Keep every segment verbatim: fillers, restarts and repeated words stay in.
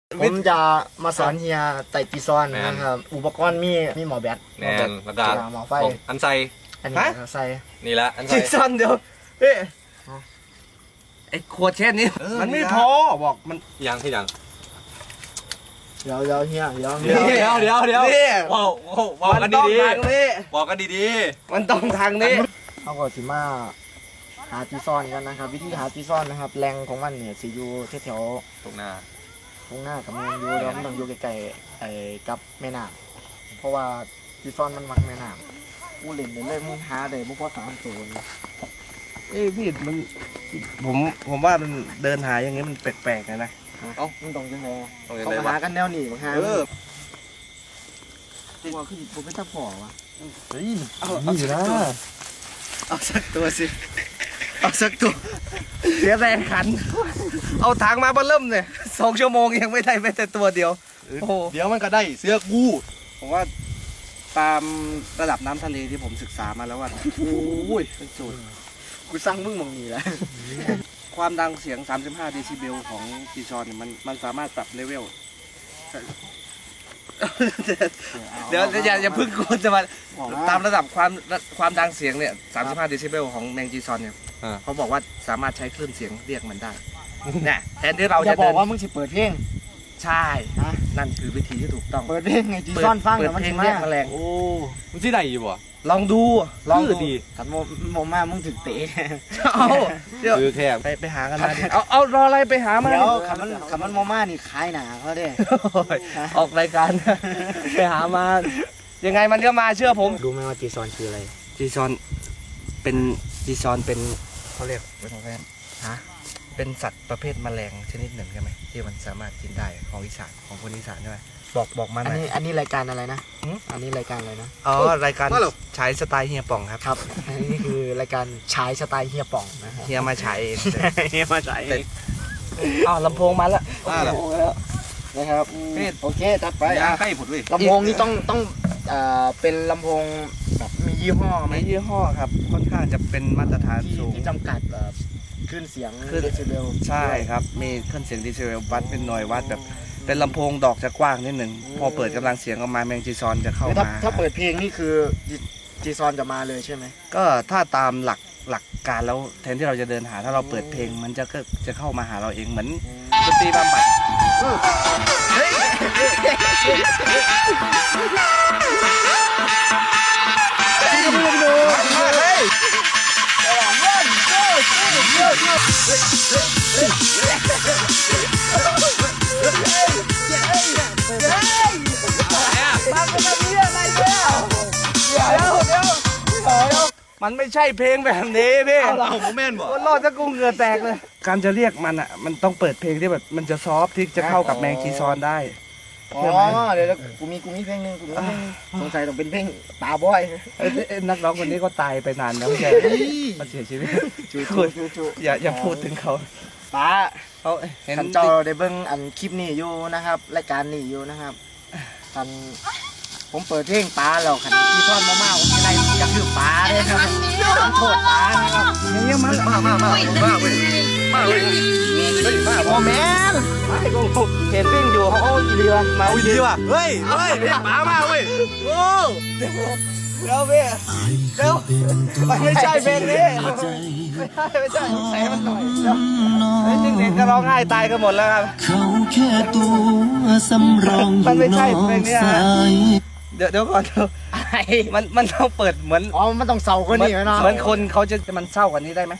ผมจะมาสอนเฮียไต่ปีซอนนะครับอุปกรณ์มีมีหมอแบตแน่นแล้วก็หมอไฟอันไซอันนี้ใส่นี่ละอันไซปีซอนเดียวเฮ้ยไอ้ขวดเช่นนี้มันไม่พอบอกมันยังที่ยังเดี๋ยวเดี๋ยวเฮียเดี๋ยวเดี๋ยวเดี๋ยวเดี๋ยวเดี๋ยวว้าวว้าวกันดีดีบอกกันดีดีมันต้องทางนี้เขาก็สิมาหาปีซอนกันนะครับวิธีหาปีซอนนะครับแรงของมันเนี่ยสิอยู่แถวตรงหน้าตรงหน้ากับมันอยู่แล้วมันต้องอยู่ใกล้ๆไอ้กับแม่น้ำเพราะว่าปีซอนมันมักแม่น้ำกูเล่นเลยมึงหาได้บุพเพสามตัวเอ้พี่มันผมผมว่ามันเดินหาอย่างงี้มันแปลกๆนะนะเอ้ามึงต้องยังไงต้องหากันแนวหนีมาหาเออตัวคือผมไม่ต้องพอวะเฮ้ยเอาเอาอยู่นะเอาสักตัวสิเอาสักตัวเสียแรงขันเอาทางมาบ้าเริ่มเนี่ยสองชั่วโมงยังไม่ได้แม้แต่ตัวเดียวโอ้เดี๋ยวมันก็ได้เสื้อกูผมว่าตามระดับน้ำทะเลที่ผมศึกษามาแล้วว่าโอ้ยเป็นสูตรกูสร้างมึงมองนี่แหละความดังเสียงสามสิบห้าเดซิเบลของจีซอนเนี่ยมันมันสามารถปรับเลเวลเดี๋ยวอย่าอย่าพึ่งกดจะมาตามระดับความความดังเสียงเนี่ยสามสิบห้าเดซิเบลของแมงจีซอนเนี่ยเขาบอกว่าสามารถใช้คลื่นเสียงเรียกมันได้เนี่ยแทนที่เราจะบอกว่ามึงสิเปิดเพลงใช่นั่นคือวิธีที่ถูกต้องเปิดเพลงไงจีซอนฟังแต่มันเพลงเรียกแมลงโอ้มึงที่ไหนอยู่บ่ลองดูลองดูขันโมโมมามึงถึงเตะเอาเดี๋ยวคือแค่ไปไปหากันมาดิเอาเอารออะไรไปหามาเดี๋ยวขันมันขันมันโมมานี่ขายหนาเขาเด้ออกรายการไปหามายังไงมันก็มาเชื่อผมรู้ไหมว่าจีซอนคืออะไรจีซอนเป็นจีซอนเป็นเขาเรียกเป็นอะไรฮะเป็นสัตว์ประเภทแมลงชนิดหนึ่งใช่ไหมที่มันสามารถกินได้ของอีสานของคนอีสานใช่ไหมบอกบอกมาหน่อยอันนี้อันนี้รายการอะไรนะอันนี้รายการอะไรนะอ๋อรายการฉายสไตล์เฮียป่องครับครับอันนี้คือรายการฉายสไตล์เฮียป่องนะเฮียมาฉายเองเฮียมาฉายเองอ้าวลำโพงมาแล้วมาแล้วนะครับโอเคตัดไปอ่ะให้ผุดเลยลำโพงนี่ต้องต้องอ่าเป็นลำโพงแบบมียี่ห้อไหมมียี่ห้อครับค่อนข้างจะเป็นมาตรฐานสูงที่จำกัดแบบคลื่นเสียงเดซิเบลใช่ครับมีคลื่นเสียงเดซิเบลวัดเป็นหน่วยวัดแบบเป็นลำโพงดอกจะกว้างนิดหนึ่งพอเปิดกำลังเสียงออกมาแมงจีซอนจะเข้ามาถ้าเปิดเพลงนี่คือจีซอนจะมาเลยใช่ไหมก็ถ้าตามหลักหลักการแล้วแทนที่เราจะเดินหาถ้าเราเปิดเพลงมันจะก็จะเข้ามาหาเราเองเหมือนดนตรีบำบัดมันไม่ใช่เพลงแบบนี้พี่เราโมเมนต์บ่รอดจะกูเหงื่อแตกเลยการจะเรียกมันอ่ะมันต้องเปิดเพลงที่แบบมันจะซอฟที่จะเข้ากับแมงจีซอนได้อ๋อเดี๋ยวกูมีกูมีเพลงนึงกูมีเพลงสงสัยต้องเป็นเพลงตาบอยนักร้องคนนี้ก็ตายไปนานแล้วใช่มาเสียชีวิตอย่าอย่าพูดถึงเขาป้าเขาเห็นเจ้าได้เบิ่งอันคลิปนี้อยู่นะครับรายการนี้อยู่นะครับท่านผมเปิดเพลงปลาแล้วขันที่ทอดมาม่าผมอะไรจะคือปลาเลยครับผมโทษปลานะครับอย่างเงี้ยมามามามามาเว้ยมาเว้ยเฮ้ยมาโอ้แมนไม่กูเห็นวิ่งอยู่เขาอีเรือมาอีเรือว่ะเฮ้ยเฮ้ยปลามาเว้ยโอ้เดี๋ยวพี่เดี๋ยวไม่ใช่เพลงนี้ไม่ใช่ไม่ใช่ใส่มันหน่อยเดี๋ยวจริงๆก็ร้องไห้ตายกันหมดแล้วครับเขาแค่ตัวสำรองมันไม่ใช่เพลงนี้เดี๋ยวเดี๋ยวก่อนเดี๋ยวมันมันต้องเปิดเหมือนอ๋อมันต้องเศร้ากว่านี้ไหมเนาะเหมือนคนเขาจะมันเศร้ากว่านี้ได้ไหม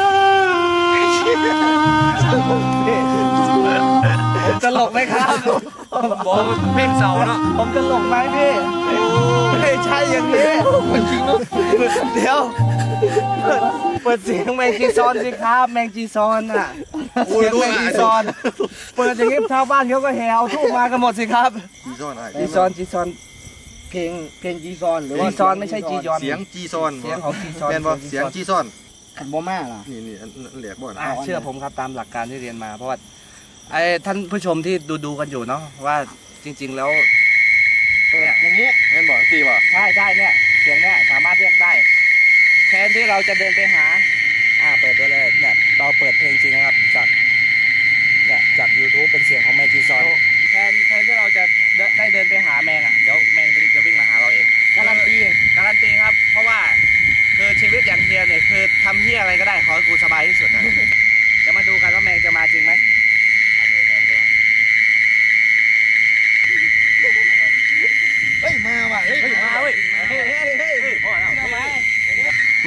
ผมตลกไหมครับบอกเพลงเศร้าเนาะผมตลกไหมพี่ไม่ใช่อย่างนี้จริงเนาะเดี๋ยวเปิดเสียงแมงจีซอนสิครับแมงจีซอนอ่ะเสียงแมงจีซอนเปิดอย่างนี้ชาวบ้านเขาก็แห่เอาทูบมากันหมดสิครับจีซอนอะไรจีซอนจีซอนเพลงเพลงจีซอนหรือว่าจีซอนไม่ใช่จียอนเสียงจีซอนเสียงของจีซอนเป็นบ่เสียงจีซอนขันบ่มาล่ะนี่นี่เหลียกบ่นะเชื่อผมครับตามหลักการที่เรียนมาเพราะว่าไอ้ท่านผู้ชมที่ดูดูกันอยู่เนาะว่าจริงๆแล้วอย่างนี้เห็นบ่สี่บ่ใช่ใช่เนี่ยเสียงเนี่ยสามารถเรียกได้แทนที่เราจะเดินไปหาอ่าเปิดด้วยเลยเนี่ยเราเปิดเพลงจริงนะครับจากเนี่ยจาก ยูทูบ เป็นเสียงของแมงจีซอน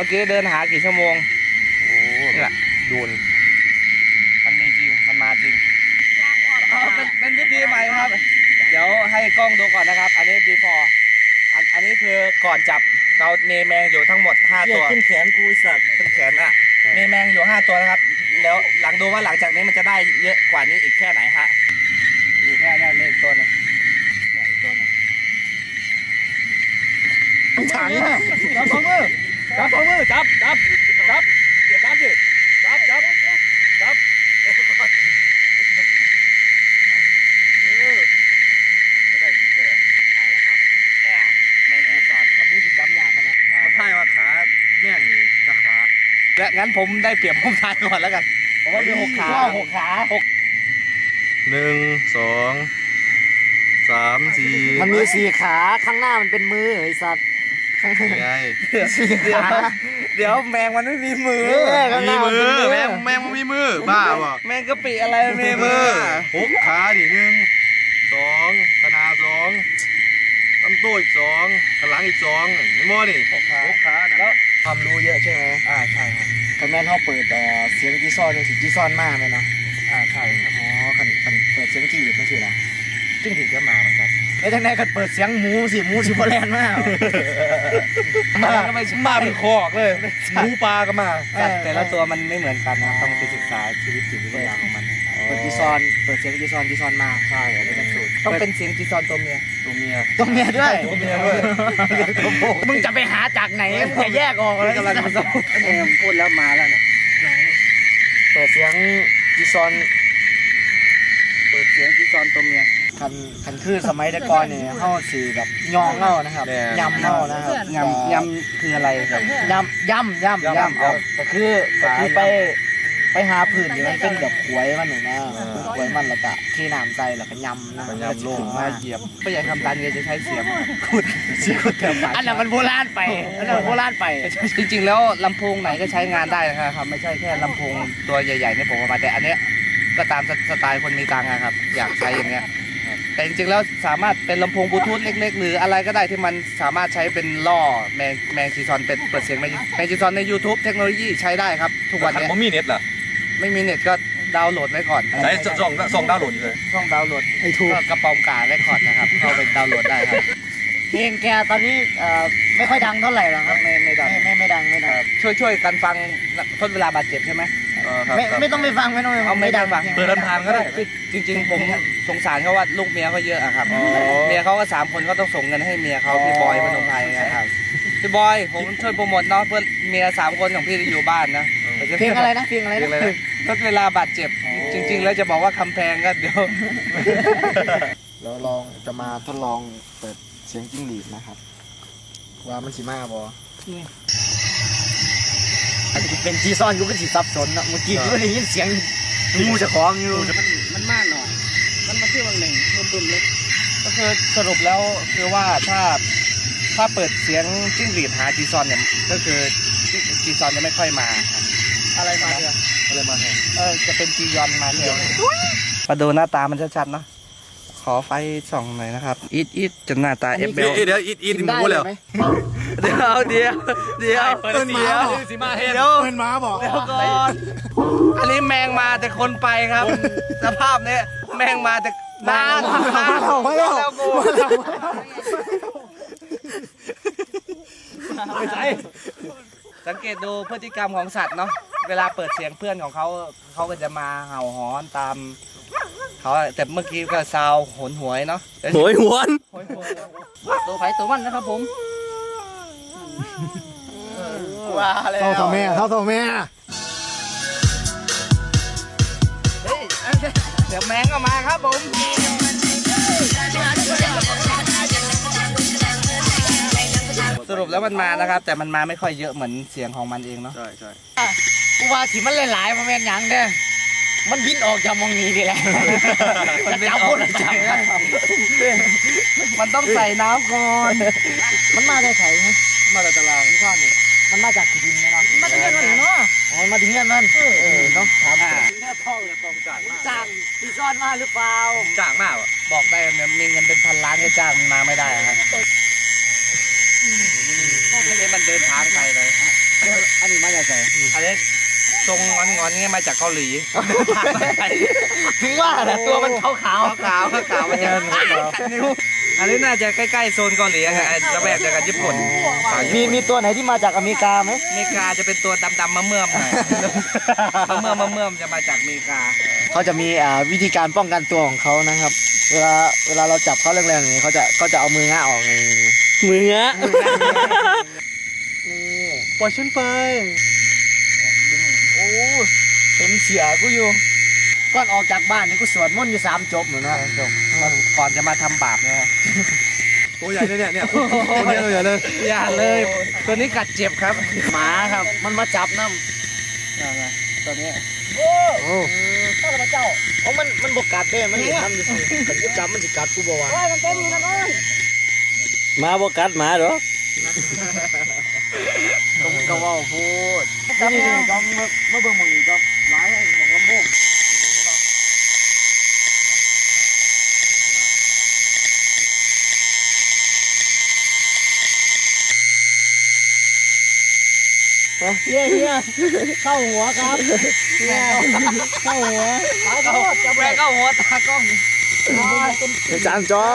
มื่อกี้เดินหากี่ชั่วโมงโอ้เนี่ยโดนมันมีจริงมันมาจริงเอาเป็นเป็นวิธีใหม่ครับ เดี๋ยวให้กล้องดูก่อนนะครับ อันนี้ before อันอันนี้คือก่อนจับเราเนแมงอยู่ทั้งหมดห้าตัวขึ้นแขนกูสัตว์ขึ้นแขนอ่ะเนแมงอยู่ห้าตัวนะครับ แล้วหลังดูว่าหลังจากนี้มันจะได้เยอะกว่านี้อีกแค่ไหนฮะเนี่ยเนี่ยมีอีกตัวหนึงเนี่ยอีกตัวหนึงถังจับสองมือจับสองมือจับจับจับจับดิจับจับจับเออจะได้ดีเลยได้แล้วครับเนี่ยแมงจีซอนกับนี่คือจำยากกันนะอ่าใช่ว่าขาแม่งนี่จะขาและงั้นผมได้เปรียบผมทายก่อนแล้วกันผมว่ามีหกขาหกขาหกหนึ่งสองสามสี่มันมีสี่ขาข้างหน้ามันเป็นมือไอ้สัตว์ข้างหน้าไงสี่เดี๋ยวขาเดี๋ยวแมงมันไม่มีมือนี่ข้างหมีน้ามันมืเป็นอมือแม่งแม่งมันมีมือบ้าป่ะแมงกะปิอะไรมันมีมือหกขาดิหนึ่งสองขนาดสองลำตัวอีกสองขางหลังอีกสองเห็นบ่นี่หกขาหกขาน่ะแล้วความรู้เยอะใช่ไหมอ่าใช่ครับคอมเมนต์เขาเปิดเอ่อเสียงจีซอนเนี่ยสิจีซอนมากเลยเนาะอ่าใช่ครับอ๋อคันคันเปิดเสียงจีบไม่ใช่เหรอจิ้งหรีดก็มาเหมือนกันไอ้ทางไหนคันเปิดเสียงหมูสิหมูสิบแลนมากมาก็ไม่ใช่มาเป็นคอกเลยหมูปลาก็มาแต่แต่ละตัวมันไม่เหมือนกันนะต้องไปศึกษาชีวิตจิตวิทยาของมันนะครับเปิดจีซอนเปิดเสียงจีซอนจีซอนมาใช่อันนี้เป็นสูตรต้องเป็นเสียงจีซอนตัวเมียตัวเมียตัวเมียด้วยตัวเมียด้วยมึงจะไปหาจากไหนมึงจะแยกออกเลยกำลังผสมเออพูดแล้วมาแล้วเนี่ยเปิดเสียงจีซอนเปิดเสียงจีซอนตัวเมียคันคันคือสมัยแต่ก่อนเนี่ยเข้าสีแบบยองเข้านะครับยำเข้านะครับยำยำคืออะไรครับยำยำยำยำเอาก็คือก็คือไปไปหาผื่นที่มันเป็นแบบขวยมันหนึ่งนะขวยมันแล้วก็ที่น้ำใจแล้วก็ยำนะมันยำโลงมามาเหยียบไม่อยากทำตานเงจะใช้เสียมขุดเสียมขุดแถวป่าอันนั้นมันโบราณไปอันนั้นมันโบราณไปจริงๆแล้วลำโพงไหนก็ใช้งานได้นะครับไม่ใช่แค่ลำโพงตัวใหญ่ๆเนี่ยผมเอามาแต่อันเนี้ยก็ตามสไตล์คนมีตังค์อะครับอยากใช้อย่างเงี้ยแต่จริงๆแล้วสามารถเป็นลำโพงบลูทูธเล็กๆหรืออะไรก็ได้ที่มันสามารถใช้เป็นล่อแมงแมงจีซอนเป็นเปิดเสียงแมงแมงจีซอนใน YouTube เทคโนโลยีใช้ได้ครับทุกวันเนี้ยผมมีเน็ตเหรอไม่มีเน็ตก็ดาวน์โหลดไว้ก่อนใช้ส่องส่องดาวน์โหลดเลยช่องดาวน์โหลดไอ้ถูกก็กระป๋องกาเรคคอร์ดนะครับเข้าไปดาวน์โหลดได้ครับเพลงแกตอนนี้เอ่อไม่ค่อยดังเท่าไหร่หรอกครับไม่ไม่ดังไม่ไม่ไม่ดังไม่ดังช่วยช่วยกันฟังทดเวลาบาดเจ็บใช่ไหมไม่ไม่ต้องไปฟังไม่ต้องไปฟัเอางไม่ดังฟังเปิดลำพังก็ได้จริง ๆ ผมสงสารเขาว่าลูกเมียเขาเยอะอะครับอ๋อเมียเขาก็สามคนก็ต้องส่งเงินให้เมียเขาพี่บอยพนมไพรนะครับพี่บอยผมช่วยโปรโมทเนาะเพื่อเมียสามคนของพี่ที่อยู่บ้านนะเพลงอะไรนะเพลงอะไรเพลงอะไรนะนะทดเวลาบาดเจ็บ จริง ๆ แล้วจะบอกว่าคำแพงก็เดี๋ยวเราลองจะมาทดลองเปิดเสียงจิ้งหรีดนะครับว่ามันสิมาบออาจจะเป็นจีซอนกูก็สิสับสนนะเมื่อกี้กูก็ได้ยินเสียงงูจะคล้องอยู่มันมากหน่อย มันมาที่วันหนึ่งรุ่มๆเลยก็คือสรุปแล้วคือว่าถ้าถ้าเปิดเสียงจิ้งหรีดหาจีซอนเนี่ยก็คือจีซอนจะไม่ค่อยมา อะไรมาเถอะอะไรมาเถอะเออจะเป็นจียอนมาเถอะมาดูหน้าตามันชัดๆเนาะขอไฟส่องหน่อยนะครับอีทอีทจนหน้าตาเอฟเบลเดี๋ยวอีทอีทกินหได้มูเลแล้ยว ไหมเดี๋ยวเดี๋ยวเดี๋ยวเปิดเสียสีมาเฮ็ดเดี๋ยวเป็นม้าบอกเดี๋ยวก่อนอันนี้แมงมาแต่คนไปครับ สภาพเนี้ยแมงมาแต่มามาแล้วกูสังเกตดูพฤติกรรมของสัตว์เนาะเวลาเปิดเสียงเพื่อนของเขาเขาก็จะมาเห่าหอนตามเขาแต่เมื่อกี้ก็ซาวโหนหวยเนาะโหยหวนโหยหวยตัวไผ่ตัวมันนะครับผมว้าแล้วเท่าตัวแม่เท่าตัวแม่เฮ้ยเดี๋ยวแมงก็มาครับผมสรุปแล้วมันมานะครับ แต่มันมาไม่ค่อยเยอะเหมือนเสียงของมันเองเนาะใช่ใช่กูว่าที่มันหลายๆมันเป็นหยังเด้อมันบินออกจากมองนี้ดีแหละมันเป็นจับออคกนละจับมันต้องใส่น้ำก่อนมันมาได้ไข่ไหมมาแต่ตารางไม่ชอบนี่มันมาจากที่ดินไหมเนาะมาถึงเงี้ยมันเนาะอ๋อมาถึงเงี้ยมันเออเนาะถามอ่าจ้างที่ซ่อนมาหรือเปล่าจ้างมากอ่ะบอกได้เนี่ยมีเงินเป็นพันล้านให้จ้างมันมาไม่ได้ครับให้มันเดินทางไกลเลยอันนี้มาจากไหนอันนี้ทรงงอนงอนๆเงี้ยมาจากเกาหลีถึงว่าแหละตัวมันขาวขาวขาวขาวขาวมาจากนิ้วอันนี้น่าจะใกล้ๆโซนเกาหลีอะครับระแวกเดียวกับญี่ปุ่นมีมีตัวไหนที่มาจากอเมริกาไหมอเมริกาจะเป็นตัวดำๆมะเมื่อมหน่อยมะเมื่อมมะเมื่อมจะมาจากอเมริกาเขาจะมีอ่าวิธีการป้องกันตัวของเขานะครับ เวลาเวลาเราจับเขาแรงๆอย่างนี้เขาจะเขาจะเอามือง้าออกนี่มืออะนี่ปล่อยฉันไปโอ้เห็นเสียกูอยู่ก่อนออกจากบ้านนี่กูสวดมนต์อยู่สามจบเหมือนนะจบก่อนจะมาทำบาปเนี่ยตัวใหญ่เลยเนี่ยเนี่ยตัวเนี้ยตัวใหญ่เลยอย่าเลย ตัวนี้กัดเจ็บครับหมาครับ มันมาจับน้ำตัวนี้โอ้โอ้ข้าพเจ้าโอ้มันมันบกกัดเด้มันทำอยู่สิมันกูจับมันสิกัดกูบอกว่าหมาบ่กัดหมาเหรอก็ก็ว่าพูดนี่นี่ก็มามาเบิ่งมึงก็หลายให้มึงลำโพงเฮียเฮียเข้าหัวครับเฮียเข้าหัวเข้าหัวจะแม่เข้าหัวตากล้องจานจอบ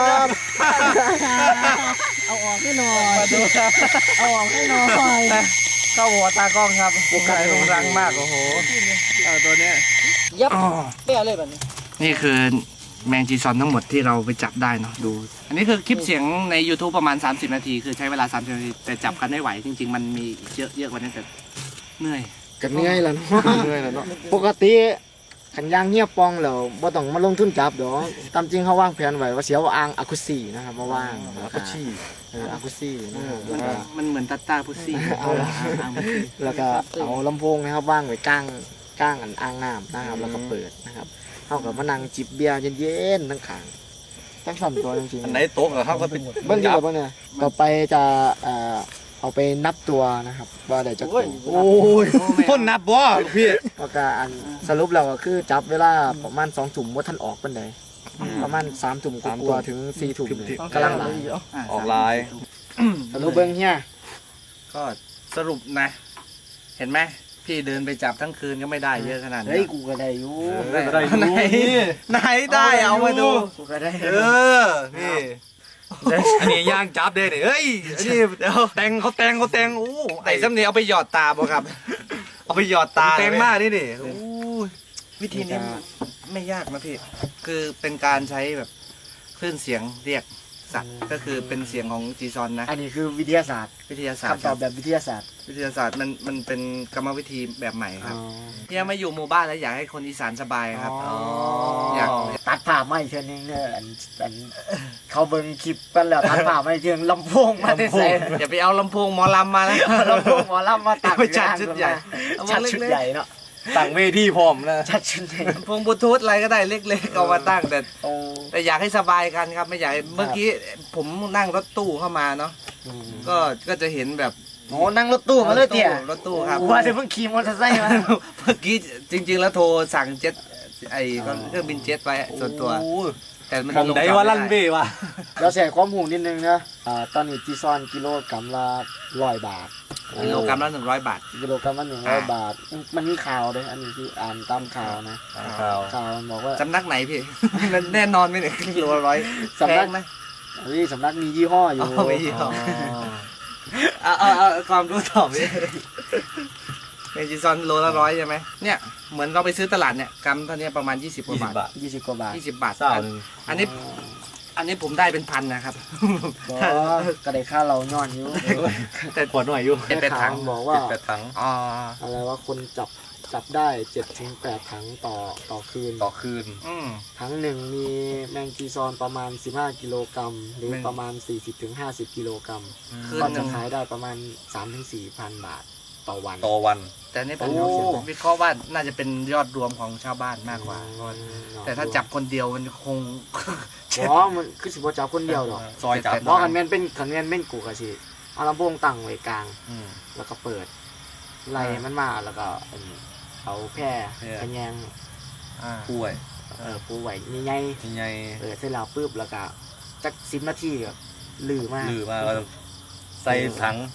เอาออกให้หน่อยมาดูครับเอาออกให้หน่อยเข้าหัวตากล้องครับบุกไก่ลงรังมากโอ้โหเอาตัวเนี้ยยับเปี้ยเลยแบบนี้นี่คือแมงจีซอนทั้งหมดที่เราไปจับได้เนาะดู อันนี้คือคลิปเสียงใน YouTube ประมาณ สามสิบ นาที คือใช้เวลา สามสิบ นาที แต่จับกันไม่ไหว จริง ๆ มันมีเยอะเยอะกว่านี้แต่เหนื่อยกันเหนื่อยแล้วเหนื่อยแล้วเนาะปกติขันยางเงียบปองแล้วบ่ต้องมาลงทุนจับดอกตามจริงเขาวางแผนไว้ว่าเสียวอ่างอาคุซี่นะครับมาว่างแล้วก็ชี้เอออาคุซี่นะครับแล้วก็มันเหมือนตาตาพุซี่เอาละแล้วก็เอาลำโพงนะครับว่างไว้กลางกลางอันอ่างน้ำนะครับแล้วก็เปิดนะครับเท่ากับมานั่งจิบเบียร์เย็นๆทั้งขางทั้งสองตัวจริงๆอันไหนโต๊ะกับเขาก็เป็นเบิ้งดีกว่าเบิ้งเนี่ยต่อไปจะเอ่อเอาไปนับตัวนะครับว่าได้จะตัวโอ้ยพ่นนับบ่ลูกพี่แล้วก็อันสรุปแล้วก็คือจับเวลาประมาณสองถุ่มว่าท่านออกเป็นไดประมาณสามถุ่มกว่าๆถึงสี่ถุ่มเนี่ยกำลังหลายออกลายสรุปเบิ้งเฮียก็สรุปนะ เห็นไหมพี่เดินไปจับทั้งคืนก็ไม่ได้เยอะขนาดนี้เฮ้ยกูก็ได้อยู่ได้ได้อยู่ไหนนี่ไหนได้เอามาดูกูก็ได้เออนี่อันนี้ย่างจับเด้เนี่ยเฮ้ยอันนี้เดี๋ยวแต่งเขาแต่งเขาแต่งโอ้ไอ้ซ้ำนี้เอาไปหยอดตาบ่ครับเอาไปหยอดตาแต่งมากนี่นี่โอ้ยวิธีนี้ไม่ยากนะพี่ คือเป็นการใช้แบบคลื่นเสียงเรียกสัตว์ ก็คือเป็นเสียงของจีซอนนะอันนี้คือวิทยาศาสตร์วิทยาศาสตร์คำตอบแบบวิทยาศาสตร์วิทยาศาสตร์มันมันเป็นกรรมวิธีแบบใหม่ครับเนี่ยมาอยู่หมู่บ้านแล้วอยากให้คนอีสานสบายครับอ๋ออยากตัดผ่าไม่เช่นนึงเนี่ยอันอันเขาเบิ่งคลิปกันแล้วตัดผ่าไม่เชิงลำโพงมาได้ใส่อย่าไปเอาลำโพงหมอลำมานะลำโพงหมอลำมาตัดไม่จัดชุดใหญ่ชัดชุดใหญ่เนาะตั้งเวทีพร้อมนะชัดชุดใหญ่ลำโพงบลูทูธอะไรก็ได้เล็กๆเอามาตั้งแต่โอ้แต่อยากให้สบายกันครับไม่อยากให้เมื่อกี้ผมนั่งรถตู้เข้ามาเนาะก็ก็จะเห็นแบบโหนั่งรถตู้มาเลยเตี่ยรถตู้ครับว่าจะเพิ่งขี่มอเตอร์ไซค์มาเมื่อกี้จริง ๆ แล้วโทรสั่งเจ็ตไอ้เครื่องบินเจ็ตไปส่วนตัวโอ้ยแต่มันมองได้ว่าลั่นเบ้ว่ะเราใส่ความหูนิดนึงนะอ่าตอนนี้จีซอนกิโลกรัมละร้อยบาทกิโลกรัมละหนึ่งร้อยบาทกิโลกรัมละหนึ่งร้อยบาท มันมีข่าวเลยอันนี้คืออ่านตามข่าวนะข่าวข่าวมันบอกว่าสำนักไหนพี่ มันแน่นอนไหมเนี่ยกิโลละร้อยสำนักแพงไหมเฮ้ยสำนักมียี่ห้ออยู่อ๋อมียี่ห้อ เอาเอาเอาความรู้ต่อพี่เมจิซอนโลละร้อยใช่ไหมเนี่ยเหมือนเราไปซื้อตลาดเนี่ยกรัมเท่านี้ประมาณยี่สิบกว่ายี่สิบาบทบาทยี่สิบกว่าบาทยี่สิบบาทเศร้าหนึ่งอันนี้ อันนี้ผมได้เป็นพันนะครับก็ก็ได้ค่าเราย้อนอยู่แต่ขวดหน่อยอยู่เจ็ดแปดถังข่าวมันบอกว่าแปดถังอ๋ออะไรว่าคนจับจับได้เจ็ดถึงแปดถังต่อต่อคืนต่อคืนอืมถังหนึ่งมีแมงจีซอนประมาณสิบห้ากิโลกรัมหรือแมงประมาณสี่สิบถึงห้าสิบกิโลกรัมคืนก็หจะนึ่งขายได้ประมาณสามถึงสี่พันบาทต่อวันต่อวันแต่นี่ผมโอ้วิเคราะห์ว่าน่าจะเป็นยอดรวมของชาวบ้านมากกว่า แต่ถ้าจับคนเดียวมันคงอ๋อมันคือสิบว่าจับคนเดียวหรอกซอยจับเพราะคันแมนเป็นคันแมนเป็นกูกะสิเอาลำโพงตั้งไว้กลางอืมแล้วก็เปิดไล่มันมาแล้วก็อันนี้เอาแพร่แพร่กระแยงอ่าป่วยเออปูไว้ใหญ่ยังไงๆเออเสร็จแล้วปุ๊บแล้วก็จักสิบนาทีก็ลือมากลือมาก็ใส่ถัง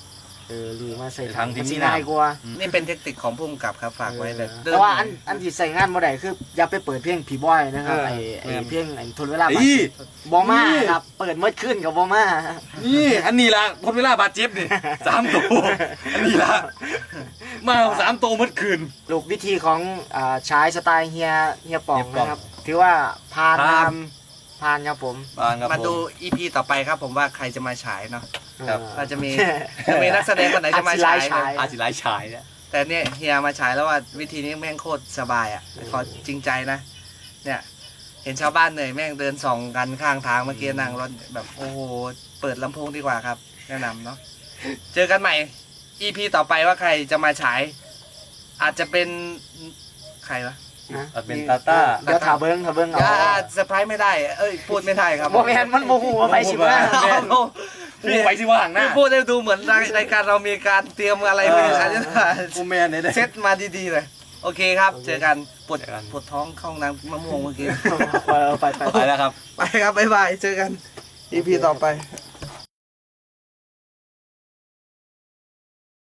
เออหรือมาใส่ถังที่มันมีสิน้ำง่ายกว่านี่เป็นเทคนิคของผู้กำกับครับฝากไว้แต่แต่ว่าอันอันที่ใส่งานบ่ได้คืออย่าไปเปิดเพลงผีบอยนะครับไอ้ไอ้เพลงไอ้ทนเวลาบาดอีเจ็บบ่มาครับเปิดเมื่อคืนกับ่มานี่อันนี้ละทนเวลาบาดเจ็บนี่สามตัวอันนี้ละมาสามตัวเมื่อคืนลูกวิธีของอ่าชายสไตล์เฮียเฮียป่องเฮียป่องนะครับถือว่าผ่านผ่านทำผ่านครับผมบางครับมาดูผอี พี ต่อไปครับผมว่าใครจะมาฉายเนาะครับเราจะมีจะมีนักแสดงคนไหนจะมาฉายอาจสิไลฟ์ฉายอาจิไลฉายเนี่ยแต่เนี่ยเฮียมาฉายแล้วว่าวิธีนี้แม่งโคตรสบายอ่ะขอจริงใจนะเนี่ยเห็นชาวบ้านเหนื่อยแม่งเดินส่องกันข้างทางเมื่อกี้นั่งรถแบบโอ้โหเปิดลำโพงดีกว่าครับแนะนำเนาะเจอกันใหม่ อี พี ต่อไปว่าใครจะมาฉาย อาจจะเป็นใครวะนะอาจเป็นตาต้าเดี๋ยวถาเบิ้งถาเบิ้งเอาอ่าเซอร์ไพรส์ไม่ได้ เอ้ยพูดไม่ได้ครับโมแมนมันโมโหไปสิว่าเอาเอาพูดไว้สิว่าห่างหน้าพูดได้ดูเหมือนรายการเรามีการเตรียมอะไรไว้เอออันนี้กูแมนเนี่ยได้เซตมาดีๆเลย โอเคครับ เจอกันปวดเจอกันปวดท้องเข้าห้องน้ำมะม่วงเมื่อกี้ไปไปไปไปแล้วครับไปครับ บ๊ายบาย เจอกัน อี พี ต่อไป